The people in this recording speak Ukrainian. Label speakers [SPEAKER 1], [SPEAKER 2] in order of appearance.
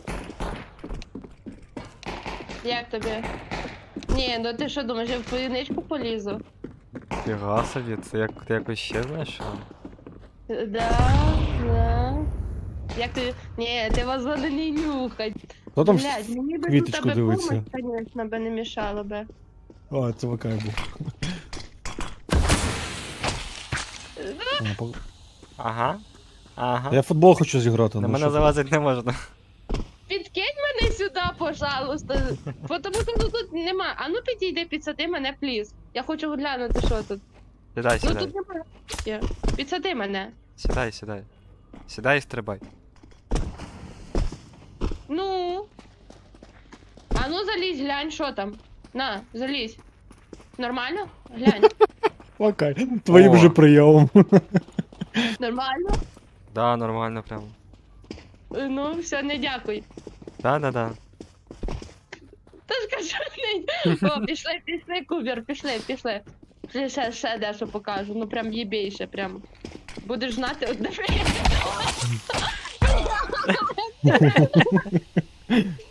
[SPEAKER 1] Як тобі? Ні, ну ти що думаєш, я в твою ничку полізу?
[SPEAKER 2] Фіга собі, це як ти якось ще знайшов?
[SPEAKER 1] Да. Як ти... Ні, ти вазони не нюхать.
[SPEAKER 3] Хто там
[SPEAKER 1] Блядь, мені би
[SPEAKER 3] квіточку
[SPEAKER 1] тут тебе
[SPEAKER 3] дивиться?
[SPEAKER 1] помощь, конечно, би не мішало би.
[SPEAKER 3] А, це Вакай був.
[SPEAKER 2] Ага. Ага.
[SPEAKER 3] Я в футбол хочу зіграти.
[SPEAKER 2] На
[SPEAKER 3] ну
[SPEAKER 2] мене
[SPEAKER 3] що?
[SPEAKER 2] залазити не можна.
[SPEAKER 1] Підкинь мене сюди, пожалуйста. Тому що тут нема. А ну підійди, підсади мене, пліз. Я хочу глянути, що тут.
[SPEAKER 2] Сідай,
[SPEAKER 1] Ну
[SPEAKER 2] сідай.
[SPEAKER 1] тут немає. Підсади мене.
[SPEAKER 2] Сідай, сідай. Сідай і стрибай.
[SPEAKER 1] Ну. А ну залізь, глянь, що там. На, залізь. Нормально? Глянь.
[SPEAKER 3] Вакай, твоїм
[SPEAKER 2] О.
[SPEAKER 3] же прийомом.
[SPEAKER 1] Нормально?
[SPEAKER 2] Да, нормально прям.
[SPEAKER 1] Ну, все, не дякуй.
[SPEAKER 2] Да.
[SPEAKER 1] Та ж кажу, не... О, пішли, Кубер, пішли. Ще дещо покажу, ну прям їбейше, прям. Будеш знати, от диви.